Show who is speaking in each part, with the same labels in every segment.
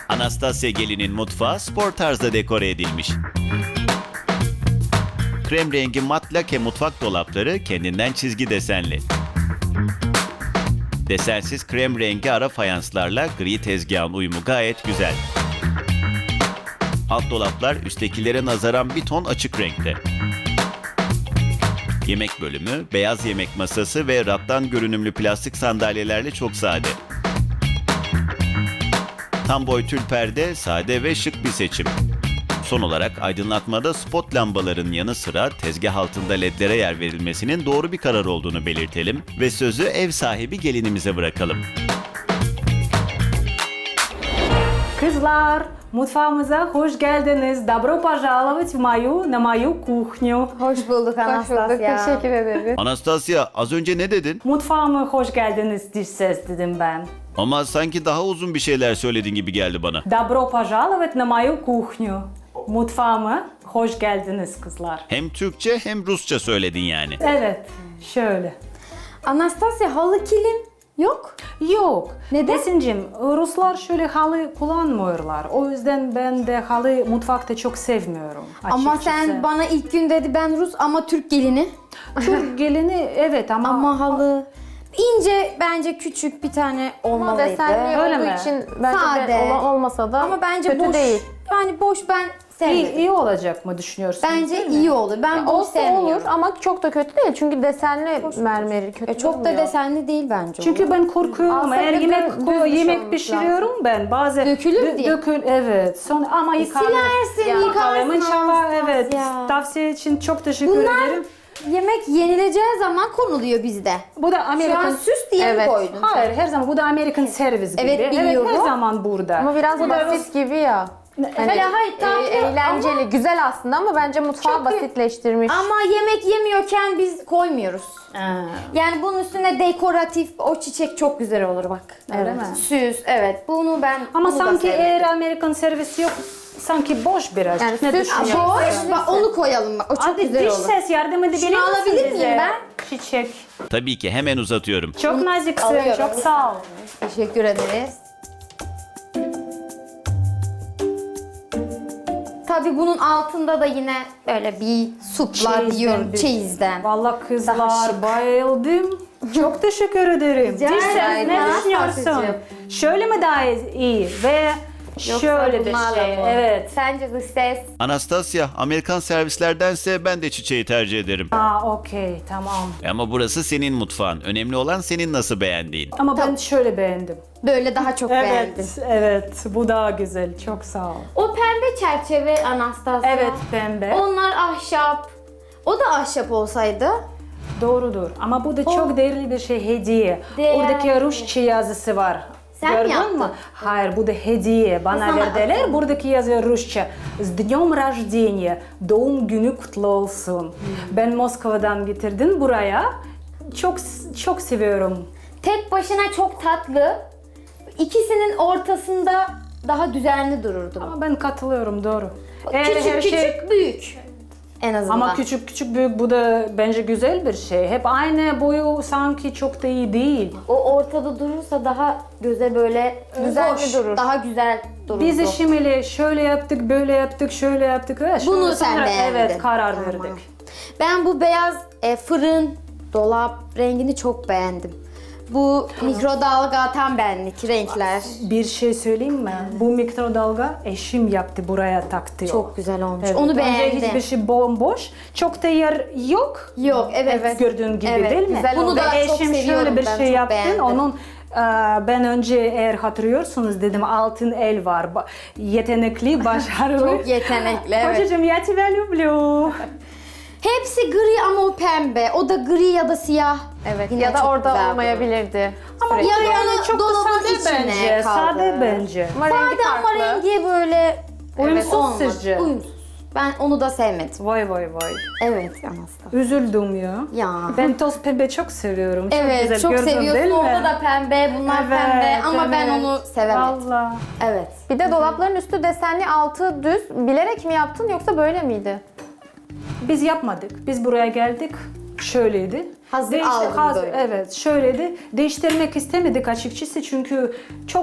Speaker 1: Anastasia gelinin mutfağı spor tarzda dekore edilmiş. Krem rengi mat lake mutfak dolapları kendinden çizgi desenli. Desensiz krem rengi ara fayanslarla gri tezgahın uyumu gayet güzel. Alt dolaplar üsttekilere nazaran bir ton açık renkte. Yemek bölümü, beyaz yemek masası ve rattan görünümlü plastik sandalyelerle çok sade. Tam boy tül perde, sade ve şık bir seçim. Son olarak aydınlatmada spot lambaların yanı sıra tezgah altında ledlere yer verilmesinin doğru bir karar olduğunu belirtelim ve sözü ev sahibi gelinimize bırakalım.
Speaker 2: Kızlar, mutfağımıza hoş geldiniz. Добро пожаловать на мою кухню.
Speaker 3: Hoş bulduk Anastasia.
Speaker 4: Teşekkür ederim.
Speaker 1: Anastasia, az önce ne dedin?
Speaker 2: Mutfağıma hoş geldiniz dış ses dedim ben.
Speaker 1: Ama sanki daha uzun bir şeyler söylediğin gibi geldi bana.
Speaker 2: Добро пожаловать на мою кухню. Mutfağıma hoş geldiniz kızlar.
Speaker 1: Hem Türkçe hem Rusça söyledin yani.
Speaker 2: Evet, şöyle.
Speaker 3: Anastasia, halı kilim yok.
Speaker 2: Yok.
Speaker 3: Neden?
Speaker 2: Esin'cim, Ruslar şöyle halı kullanmıyorlar. O yüzden ben de halı mutfakta çok sevmiyorum.
Speaker 3: Ama
Speaker 2: açıkçası.
Speaker 3: sen bana ilk gün dedi ben Rus ama Türk gelini.
Speaker 2: Türk gelini evet
Speaker 3: Ama halı ince, bence küçük bir tane
Speaker 4: Ama
Speaker 3: olmalıydı.
Speaker 4: desenli
Speaker 2: Öyle
Speaker 4: olduğu
Speaker 2: mi?
Speaker 4: için bence
Speaker 3: Sade.
Speaker 4: de olmasa da
Speaker 3: Ama bence
Speaker 4: kötü
Speaker 3: boş
Speaker 4: değil.
Speaker 3: Yani boş ben sevmedim.
Speaker 2: iyi olacak mı düşünüyorsun?
Speaker 3: Bence iyi olur. Ben boş
Speaker 4: Olsa
Speaker 3: sevmiyorum.
Speaker 4: olur ama çok da kötü değil çünkü desenli mermeri kötü
Speaker 3: Çok da
Speaker 4: durmuyor.
Speaker 3: desenli değil bence.
Speaker 2: Çünkü ben korkuyorum.
Speaker 4: Aslında
Speaker 2: Eğer
Speaker 4: düz
Speaker 2: yemek
Speaker 4: olması
Speaker 2: pişiriyorum ben bazen
Speaker 3: Dökülür diye.
Speaker 2: evet. Sonra ama yıkarım.
Speaker 3: silersin, yıkarsın
Speaker 2: İnşallah
Speaker 3: Anastasia.
Speaker 2: evet. Tavsiye için çok teşekkür
Speaker 3: Bunlar
Speaker 2: ederim.
Speaker 3: yemek yenileceği zaman konuluyor bizde.
Speaker 2: Bu da
Speaker 3: Şu an
Speaker 2: Amerikan
Speaker 3: süs diye mi
Speaker 4: Evet.
Speaker 3: koydun?
Speaker 2: Hayır, her zaman bu da American servis gibi.
Speaker 3: Evet, biliyorum.
Speaker 2: her zaman burada.
Speaker 4: Ama biraz
Speaker 2: Bu da
Speaker 4: basit gibi ya. Hani,
Speaker 3: Hayır, tatlı
Speaker 4: eğlenceli,
Speaker 3: ama-
Speaker 4: güzel aslında ama bence mutfağı
Speaker 2: Çok-
Speaker 4: basitleştirmiş.
Speaker 3: Ama yemek yemiyorken biz koymuyoruz.
Speaker 2: Ha,
Speaker 3: Yani bunun üstüne dekoratif o çiçek çok güzel olur bak.
Speaker 2: Öyle
Speaker 3: Evet.
Speaker 2: mi?
Speaker 3: Süs, evet. Bunu ben
Speaker 2: Ama
Speaker 3: bunu da
Speaker 2: sanki
Speaker 3: sevdim.
Speaker 2: eğer Amerikan servisi yok, sanki boş biraz.
Speaker 4: Yani
Speaker 2: ne
Speaker 4: süs-
Speaker 2: düşünüyorsun?
Speaker 3: Boş, bak onu koyalım bak. O çok
Speaker 2: Hadi
Speaker 3: güzel
Speaker 2: dış
Speaker 3: olur.
Speaker 2: ses yardım edebilir
Speaker 3: Şunu
Speaker 2: misin
Speaker 3: alabilir
Speaker 2: bize?
Speaker 3: miyim ben?
Speaker 2: Çiçek.
Speaker 1: Tabii ki hemen uzatıyorum.
Speaker 2: Çok naziksin,
Speaker 3: alıyorum.
Speaker 2: çok sağ ol.
Speaker 3: Teşekkür ederiz. Tabii bunun altında da yine böyle bir supla
Speaker 2: Çeyizden
Speaker 3: diyorum
Speaker 2: bir-
Speaker 3: çeyizden.
Speaker 2: Vallahi
Speaker 3: Daha
Speaker 2: kızlar
Speaker 3: şık.
Speaker 2: bayıldım. Çok teşekkür ederim.
Speaker 3: Rica
Speaker 2: Dış ses
Speaker 3: ederim.
Speaker 2: ne
Speaker 3: Daha
Speaker 2: düşünüyorsun?
Speaker 3: Anastasya'cığım.
Speaker 2: Şöyle mi daha iyi ve şöyle bir şey. Evet.
Speaker 3: Sence dış ses?
Speaker 1: Anastasia, Amerikan servislerdense ben de çiçeği tercih ederim.
Speaker 2: Okey, tamam.
Speaker 1: Ama burası senin mutfağın. Önemli olan senin nasıl beğendiğin.
Speaker 2: Ama ben şöyle beğendim.
Speaker 3: Böyle daha çok beğendim.
Speaker 2: Evet, evet. Bu daha güzel. Çok sağ ol.
Speaker 3: O pembe çerçeve Anastasia.
Speaker 2: Evet, pembe.
Speaker 3: Onlar ahşap. O da ahşap olsaydı.
Speaker 2: Doğrudur. Ama bu da çok değerli bir şey, hediye.
Speaker 3: Değerli.
Speaker 2: Oradaki Rusça yazısı var.
Speaker 3: Sen mi
Speaker 2: Gördün
Speaker 3: yaptın?
Speaker 2: mü? Hayır, bu da hediye. Bana
Speaker 3: Sana
Speaker 2: verdiler.
Speaker 3: atın.
Speaker 2: Buradaki yazıyor Rusça. С днем рождения. Doğum günü kutlu olsun. Ben Moskova'dan getirdim buraya. Çok seviyorum.
Speaker 3: Tek başına çok tatlı. İkisinin ortasında daha düzenli dururdu.
Speaker 2: Ama ben katılıyorum, doğru.
Speaker 3: Küçük küçük büyük. En azından.
Speaker 2: Ama küçük küçük büyük bu da bence güzel bir şey. Hep aynı boyu sanki çok da iyi değil.
Speaker 3: O ortada durursa daha göze böyle
Speaker 4: Düzenli durur.
Speaker 3: Daha güzel dururdu.
Speaker 2: Biz de şimdi şöyle yaptık, böyle yaptık, şöyle yaptık.
Speaker 3: Bunu sen
Speaker 2: Sonra
Speaker 3: beğendin.
Speaker 2: evet karar
Speaker 3: Tamam.
Speaker 2: verdik.
Speaker 3: Ben bu beyaz fırın, dolap rengini çok beğendim. Bu mikrodalga tam benlik renkler.
Speaker 2: Bir şey söyleyeyim mi? Bu mikrodalga eşim yaptı, buraya taktı.
Speaker 3: Çok güzel olmuş.
Speaker 2: Evet,
Speaker 3: Onu
Speaker 2: önce
Speaker 3: beğendim.
Speaker 2: hiçbir şey bomboş. Çok da yer yok.
Speaker 3: Yok, evet.
Speaker 2: Gördüğün gibi
Speaker 3: Evet,
Speaker 2: değil mi?
Speaker 3: güzel oldu. Bunu da
Speaker 2: Ve
Speaker 3: çok
Speaker 2: eşim
Speaker 3: seviyorum,
Speaker 2: şöyle bir
Speaker 3: ben
Speaker 2: şey
Speaker 3: çok
Speaker 2: yaptı.
Speaker 3: beğendim.
Speaker 2: Onun ben önce eğer hatırlıyorsunuz dedim altın el var. Yetenekli, başarılı.
Speaker 3: Çok yetenekli, evet.
Speaker 2: Kocacığım я тебя люблю.
Speaker 3: Hepsi gri ama o pembe. O da gri ya da siyah.
Speaker 4: Evet
Speaker 3: Yine
Speaker 4: ya da
Speaker 3: çok
Speaker 4: orada
Speaker 3: güzel
Speaker 4: olmayabilirdi.
Speaker 2: Ama
Speaker 4: Sürekli.
Speaker 3: Ya
Speaker 2: yani
Speaker 3: onu
Speaker 2: çok da
Speaker 3: dolabın
Speaker 2: sade
Speaker 3: içine
Speaker 2: bence.
Speaker 3: kaldı.
Speaker 2: Sade bence.
Speaker 4: Ama rengi
Speaker 3: Sade ama
Speaker 4: farklı.
Speaker 3: rengi böyle
Speaker 2: Uyumsuz
Speaker 3: olmadı.
Speaker 2: sizce?
Speaker 3: Uyumsuz. Ben onu da sevmedim.
Speaker 2: Vay vay vay.
Speaker 3: Evet Anastasia.
Speaker 2: Üzüldüm ya.
Speaker 3: Ya.
Speaker 2: Ben toz pembe çok seviyorum. Çok
Speaker 3: Evet,
Speaker 2: güzel
Speaker 3: çok
Speaker 2: gördün değil
Speaker 3: seviyorsun.
Speaker 2: mi?
Speaker 3: Orada da pembe, bunlar
Speaker 2: Evet,
Speaker 3: pembe ama ben
Speaker 2: evet.
Speaker 3: onu sevemedim.
Speaker 2: Vallahi.
Speaker 3: Evet.
Speaker 4: Bir de dolapların üstü desenli, altı düz. Bilerek mi yaptın yoksa böyle miydi?
Speaker 2: Biz yapmadık. Biz buraya geldik. Şöyleydi.
Speaker 3: Hazır aldın böyle.
Speaker 2: Evet, şöyleydi. Değiştirmek istemedik açıkçası çünkü çok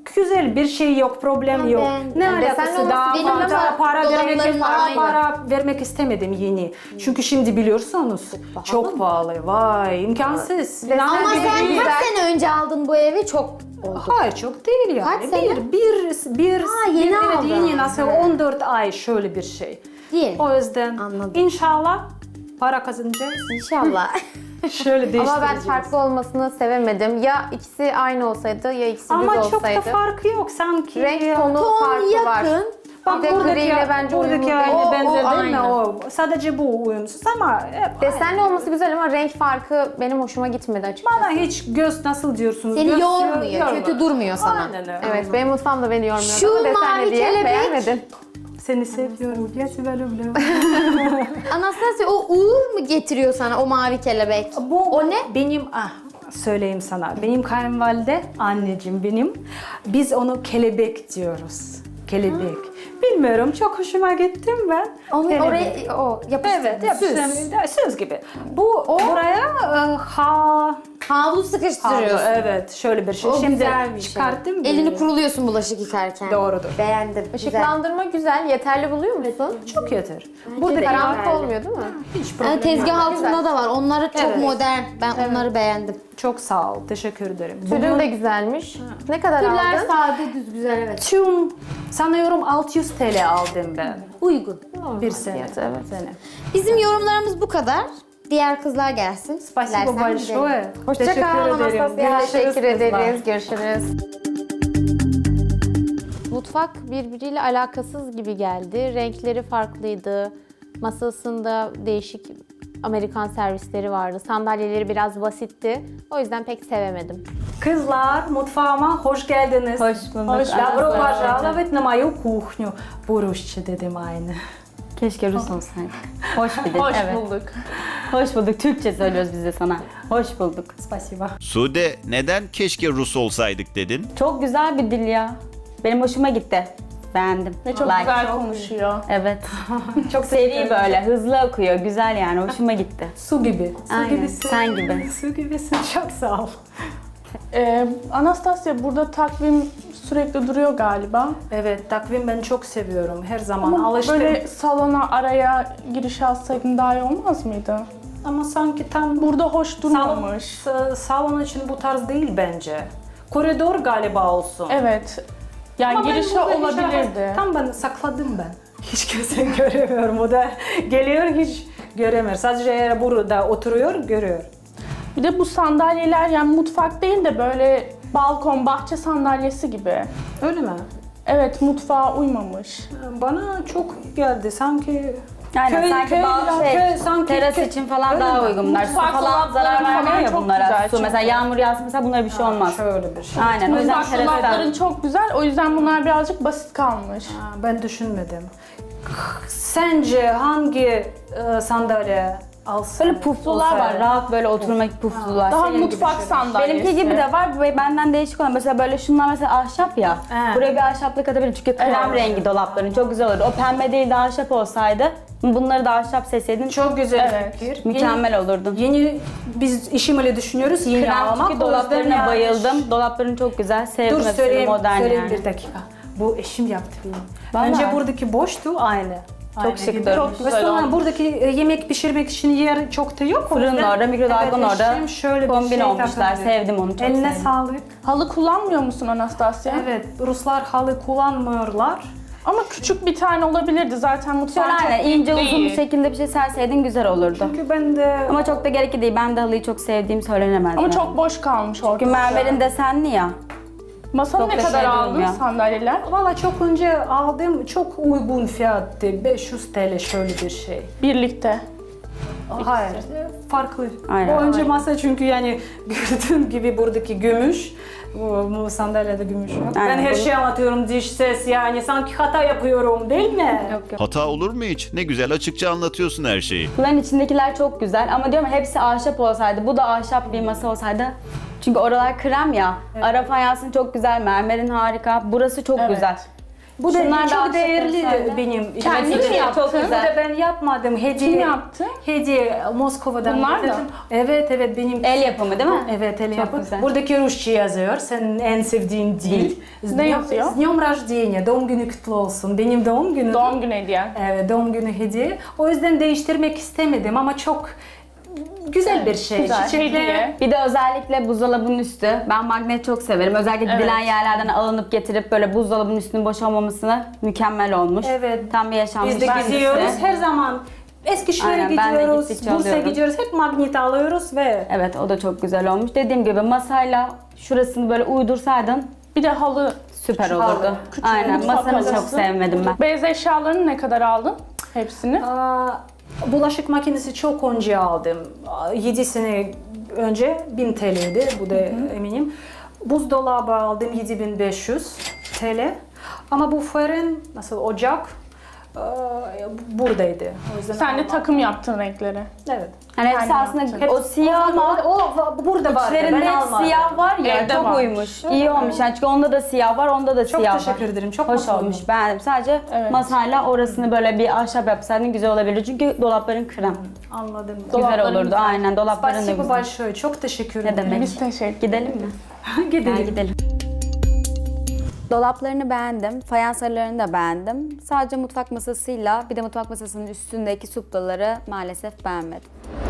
Speaker 2: güzel bir şey yok, problem yok.
Speaker 3: beğendim.
Speaker 2: Ne
Speaker 4: Yani desenli
Speaker 2: alakası
Speaker 4: olması
Speaker 2: daha
Speaker 3: benim
Speaker 2: fazla
Speaker 3: ama
Speaker 2: para
Speaker 3: dolaplarım aynı.
Speaker 2: para vermek istemedim yeni. Çünkü şimdi biliyorsunuz çok pahalı. Vay imkansız.
Speaker 3: Ama sen kaç sene önce aldın bu evi? Çok oldu.
Speaker 2: Hayır çok değil yani.
Speaker 3: Kaç sene? Yeni
Speaker 2: evet,
Speaker 3: aldın.
Speaker 2: yeni nasıl 14 ay şöyle bir şey.
Speaker 3: Değil.
Speaker 2: O yüzden
Speaker 3: Anladım.
Speaker 2: inşallah para kazanacağız.
Speaker 3: İnşallah.
Speaker 2: Şöyle
Speaker 4: Ama
Speaker 2: değiştireceğiz.
Speaker 4: ben farklı olmasını sevemedim. Ya ikisi aynı olsaydı ya ikisi düz
Speaker 2: Ama
Speaker 4: olsaydı.
Speaker 2: çok da farkı yok sanki.
Speaker 4: Renk tonu
Speaker 3: Ton
Speaker 4: farkı var.
Speaker 3: yakın.
Speaker 2: Bak
Speaker 4: Bir de
Speaker 2: buradaki,
Speaker 4: griyle bence uyumlu
Speaker 2: buradaki
Speaker 4: değil.
Speaker 2: aynı
Speaker 3: O
Speaker 2: benzer değil mi?
Speaker 3: aynı.
Speaker 2: O sadece bu uyumsuz ama hep
Speaker 4: Desenli olması güzel ama renk farkı benim hoşuma gitmedi açıkçası.
Speaker 2: bana hiç göz nasıl diyorsunuz?
Speaker 3: Seni
Speaker 2: Göz
Speaker 3: yormuyor, kötü durmuyor sana.
Speaker 2: Aynen öyle.
Speaker 4: Evet, benim mutfağım da beni yormuyor.
Speaker 3: Şu
Speaker 4: ama desenli
Speaker 3: mavi
Speaker 4: diye
Speaker 3: kelebek-
Speaker 4: beğenmedin.
Speaker 2: Seni seviyorum. Ya Sibel abla.
Speaker 3: Anastasia o uğur mu getiriyor sana o mavi kelebek? O ne?
Speaker 2: Benim söyleyeyim sana. Benim kayınvalide anneciğim benim. Biz onu kelebek diyoruz. Kelebek. Bilmiyorum çok hoşuma gittim ben.
Speaker 3: Onu
Speaker 2: Kelebek.
Speaker 3: oraya o yapıştırdın.
Speaker 2: Evet, yapıştırdım. Söz gibi. Bu buraya
Speaker 3: Havlu sıkıştırıyorsun.
Speaker 2: evet, şöyle bir şey.
Speaker 3: O
Speaker 2: Şimdi
Speaker 3: güzel bir şey.
Speaker 2: çıkarttım.
Speaker 3: Elini kuruluyorsun bulaşık yıkarken.
Speaker 2: Doğrudur.
Speaker 3: Beğendim. Güzel.
Speaker 4: Işıklandırma güzel. Yeterli buluyor musun?
Speaker 2: Çok yeter.
Speaker 3: Burada
Speaker 2: Burada
Speaker 4: Karanlık
Speaker 3: Güzel.
Speaker 4: olmuyor değil mi?
Speaker 2: hiç problem
Speaker 3: Yani tezgah
Speaker 2: yok.
Speaker 3: altında da var. Onları çok
Speaker 2: Evet.
Speaker 3: modern. Ben onları beğendim.
Speaker 2: Çok sağ ol. Teşekkür ederim.
Speaker 4: Tülün de güzelmiş. Ne kadar
Speaker 3: Türler
Speaker 4: aldın?
Speaker 3: sade düz güzel evet.
Speaker 2: Tüm sanıyorum 600 TL aldım ben.
Speaker 3: Uygun.
Speaker 2: Bir sene.
Speaker 4: fiyatı, evet.
Speaker 2: Sene.
Speaker 3: Bizim yorumlarımız bu kadar. Diğer kızlar gelsin.
Speaker 2: Spasibo
Speaker 3: Dilersen gidelim.
Speaker 2: большое.
Speaker 4: Hoşça
Speaker 2: Teşekkür
Speaker 4: kal
Speaker 2: ederim.
Speaker 4: Anastasia.
Speaker 2: Görüşürüz
Speaker 4: Teşekkür
Speaker 2: kızlar.
Speaker 4: ederiz. Görüşürüz. Mutfak birbiriyle alakasız gibi geldi. Renkleri farklıydı. Masasında değişik Amerikan servisleri vardı. Sandalyeleri biraz basitti. O yüzden pek sevemedim.
Speaker 2: Kızlar mutfağıma hoş geldiniz.
Speaker 5: Hoş bulduk.
Speaker 2: Добро пожаловать на мою кухню. Bu Rusça dedim aynı.
Speaker 5: Keşke Rus olsaydık. Hoş bir dil.
Speaker 2: Hoş
Speaker 5: evet.
Speaker 2: bulduk.
Speaker 5: Hoş bulduk. Türkçe söylüyoruz biz de sana. Hoş bulduk.
Speaker 2: Спасибо.
Speaker 1: Sude, neden keşke Rus olsaydık dedin?
Speaker 5: Çok güzel bir dil ya. Benim hoşuma gitti. Beğendim.
Speaker 6: Ve çok
Speaker 5: Like.
Speaker 6: güzel konuşuyor.
Speaker 5: Evet.
Speaker 2: Çok
Speaker 5: Seri böyle. Hızlı akıyor. Güzel yani. Hoşuma gitti.
Speaker 2: Su gibi. Su
Speaker 5: Aynen,
Speaker 2: gibisin.
Speaker 5: sen gibi.
Speaker 2: Su gibisin. Çok sağ ol.
Speaker 6: Anastasia burada takvim sürekli duruyor galiba.
Speaker 2: Evet, takvim ben çok seviyorum. Her zaman
Speaker 6: Ama
Speaker 2: alıştım.
Speaker 6: böyle salona araya giriş alsaydın daha iyi olmaz mıydı?
Speaker 2: Ama sanki tam
Speaker 6: Burada hoş durmamış.
Speaker 2: salon için bu tarz değil bence. Koridor galiba olsun.
Speaker 6: Evet. Yani
Speaker 2: Ama ben
Speaker 6: girişe
Speaker 2: burada hiç
Speaker 6: olabilirdi.
Speaker 2: Tam ben sakladım ben. Hiç kimse göremiyorum. O da geliyor hiç göremiyor. Sadece eğer burada oturuyor görüyor.
Speaker 6: Bir de bu sandalyeler yani mutfak değil de böyle balkon, bahçe sandalyesi gibi.
Speaker 2: Öyle mi?
Speaker 6: Evet, mutfağa uymamış.
Speaker 2: Bana çok geldi sanki.
Speaker 5: Yani sanki bazı
Speaker 2: sanki
Speaker 5: teras için falan
Speaker 2: Öyle
Speaker 5: daha
Speaker 2: mi?
Speaker 5: uygunlar. Su
Speaker 6: Mutfak
Speaker 5: falan zarar
Speaker 6: dolapları
Speaker 5: vermiyor
Speaker 6: falan
Speaker 5: ya
Speaker 6: çok
Speaker 5: bunlara.
Speaker 6: güzel,
Speaker 5: Su
Speaker 6: çok
Speaker 5: mesela yağmur yağsın mesela bunlara bir şey olmaz.
Speaker 2: Şöyle bir şey.
Speaker 5: Aynen. O yüzden
Speaker 6: Mutfak dolapların
Speaker 5: terastan.
Speaker 6: çok güzel. O yüzden bunlar birazcık basit kalmış.
Speaker 2: Ben düşünmedim. Sence hangi sandalye alsın?
Speaker 5: Böyle puflular var. Rahat böyle oturmak puflular.
Speaker 6: Daha
Speaker 5: Senin gibi
Speaker 6: mutfak
Speaker 5: şöyle.
Speaker 6: sandalyesi.
Speaker 5: Benimki gibi de var. Ve benden değişik olan. Mesela böyle şunlar mesela ahşap ya.
Speaker 2: He.
Speaker 5: Buraya bir ahşaplık atabilirim. Çünkü krem
Speaker 6: Evet.
Speaker 5: rengi dolapların çok güzel olurdu. O pembe değil de ahşap olsaydı bunları da ahşap seçseydin
Speaker 2: Çok güzel
Speaker 6: Evet.
Speaker 2: fikir.
Speaker 5: mükemmel olurdun.
Speaker 2: Yeni biz işimle düşünüyoruz yeni
Speaker 5: Krem
Speaker 2: almak.
Speaker 5: çünkü
Speaker 2: O yüzden
Speaker 5: dolaplarına
Speaker 2: yani-
Speaker 5: bayıldım. Dolapların çok güzel. Sevdim
Speaker 2: Dur
Speaker 5: hepsini,
Speaker 2: söyleyeyim,
Speaker 5: modern
Speaker 2: söyleyeyim
Speaker 5: yani.
Speaker 2: bir dakika. Bu eşim yaptı benim.
Speaker 5: Vallahi.
Speaker 2: Önce buradaki boştu aynı. Aynı
Speaker 5: şık
Speaker 2: gibi.
Speaker 5: durmuş.
Speaker 2: Ve sonra buradaki yemek pişirmek için yer çok da yok. O
Speaker 5: Fırın
Speaker 2: yüzden-
Speaker 5: orada, mikrodalgan
Speaker 2: Evet,
Speaker 5: orada.
Speaker 2: eşim şöyle bir
Speaker 5: Kombin
Speaker 2: şey
Speaker 5: olmuşlar.
Speaker 2: takındı.
Speaker 5: Sevdim onu, çok
Speaker 2: Eline
Speaker 5: sevdim.
Speaker 2: sağlık.
Speaker 6: Halı kullanmıyor musun Anastasia?
Speaker 2: Evet, Ruslar halı kullanmıyorlar.
Speaker 6: Ama küçük bir tane olabilirdi zaten mutfağın
Speaker 5: Şöyle
Speaker 6: çok
Speaker 5: aynen
Speaker 6: büyük
Speaker 5: ince uzun bir
Speaker 6: değil.
Speaker 5: şekilde bir şey serseydin güzel olurdu.
Speaker 2: Çünkü ben de
Speaker 5: Ama çok da gerekli değil. Ben de halıyı çok sevdiğim söylenemez.
Speaker 6: Ama
Speaker 5: yani.
Speaker 6: çok boş kalmış
Speaker 5: Çünkü
Speaker 6: ortada.
Speaker 5: mermerin desenli ya.
Speaker 6: Masanı
Speaker 5: çok
Speaker 6: ne
Speaker 5: da
Speaker 6: kadar
Speaker 5: şey
Speaker 6: aldın
Speaker 5: durmuyor.
Speaker 6: sandalyeler?
Speaker 2: valla çok önce aldım çok uygun fiyattı. 500 TL şöyle bir şey.
Speaker 6: Birlikte.
Speaker 2: Hayır, farklı.
Speaker 5: Aynen.
Speaker 2: O önce masa çünkü yani gördüğün gibi buradaki gümüş. Bu sandalyede gümüş yok.
Speaker 5: Aynen,
Speaker 2: Ben her
Speaker 5: bunu-
Speaker 2: şeyi anlatıyorum diş ses yani sanki hata yapıyorum değil mi?
Speaker 5: Yok yok.
Speaker 1: Hata olur mu hiç? Ne güzel açıkça anlatıyorsun her şeyi.
Speaker 5: Bunların içindekiler çok güzel ama diyorum ya, hepsi ahşap olsaydı, bu da ahşap bir masa olsaydı. Çünkü oralar krem ya. Ara fayansın çok güzel, mermerin harika. Burası çok
Speaker 6: Evet.
Speaker 5: güzel.
Speaker 2: Bu da
Speaker 5: Şunlar da
Speaker 2: çok
Speaker 5: ahşap
Speaker 2: değerli
Speaker 5: olsaydı.
Speaker 2: benim.
Speaker 6: Kendin mi
Speaker 2: Çok
Speaker 6: yaptın?
Speaker 2: Bu da ben yapmadım. Hediye.
Speaker 6: Kim yaptı?
Speaker 2: Hediye Moskova'dan
Speaker 6: Bunlar da?
Speaker 2: getirdim. Evet benim.
Speaker 5: El yapımı değil mi?
Speaker 2: Evet, el
Speaker 5: Çok
Speaker 2: yapımı.
Speaker 5: güzel.
Speaker 2: Buradaki Rusça yazıyor. Senin en sevdiğin dil.
Speaker 6: Ne yazıyor?
Speaker 2: С днем рождения. Doğum günü kutlu olsun. Benim doğum günüm.
Speaker 6: Doğum günü hediyen.
Speaker 2: Evet, doğum günü hediye. O yüzden değiştirmek istemedim ama çok güzel bir şey.
Speaker 6: Güzel, hediye.
Speaker 5: Bir de özellikle buzdolabının üstü. Ben magnet çok severim. Özellikle gidilen yerlerden alınıp getirip böyle buzdolabının üstünün boş olmaması mükemmel olmuş.
Speaker 2: Evet.
Speaker 5: Tam bir yaşanmış.
Speaker 2: Biz de
Speaker 5: bir
Speaker 2: gidiyoruz.
Speaker 5: hissi.
Speaker 2: Her zaman Eskişehir'e
Speaker 5: Aynen, ben de
Speaker 2: gidiyoruz,
Speaker 5: gittikçe
Speaker 2: Bursa'ya
Speaker 5: alıyorum.
Speaker 2: gidiyoruz. Hep magnet alıyoruz ve
Speaker 5: Evet, o da çok güzel olmuş. Dediğim gibi masayla şurasını böyle uydursaydın
Speaker 6: Bir de halı.
Speaker 5: süper olurdu. Aynen,
Speaker 6: mutfak
Speaker 5: masanı çok
Speaker 6: halısı.
Speaker 5: sevmedim ben.
Speaker 6: Beyaz eşyalarını ne kadar aldın? Hepsini.
Speaker 2: bulaşık makinesi çok önce aldım. 7 sene önce 1000 TL'ydi. Bu da eminim. Buzdolabı aldım 7500 TL. Ama bu fırın, nasıl ocak buradaydı. O yüzden
Speaker 6: Sen de
Speaker 2: almadım.
Speaker 6: takım yaptın renkleri.
Speaker 2: Evet.
Speaker 5: Hani hepsi
Speaker 6: Aynen.
Speaker 5: aslında o siyah
Speaker 2: ama
Speaker 5: var.
Speaker 2: o burada vardı.
Speaker 5: İçlerinde
Speaker 2: Ben
Speaker 5: hep
Speaker 2: almadım.
Speaker 5: siyah var ya,
Speaker 6: Evde
Speaker 5: çok
Speaker 6: varmış.
Speaker 5: uymuş. İyi olmuş yani, çünkü onda da siyah var, onda da
Speaker 2: Çok
Speaker 5: siyah var.
Speaker 2: teşekkür ederim. Çok
Speaker 5: Hoş
Speaker 2: mutlu
Speaker 5: olmuş,
Speaker 2: oldum.
Speaker 5: beğendim. Sadece
Speaker 6: Evet.
Speaker 5: masayla orasını böyle bir ahşap yapsaydın güzel olabilir. Çünkü dolapların krem.
Speaker 2: Anladım.
Speaker 5: Güzel
Speaker 6: Dolapların
Speaker 5: olurdu,
Speaker 6: güzel.
Speaker 5: aynen. Dolapların da
Speaker 2: Спасибо
Speaker 5: güzel.
Speaker 2: большое. Çok teşekkür
Speaker 5: Ne
Speaker 2: ederim.
Speaker 5: demek?
Speaker 6: Biz teşekkür
Speaker 5: Gidelim mi?
Speaker 2: Gidelim.
Speaker 5: Gel gidelim. Dolaplarını beğendim, fayans aralarını da beğendim. Sadece mutfak masasıyla bir de mutfak masasının üstündeki suplaları maalesef beğenmedim.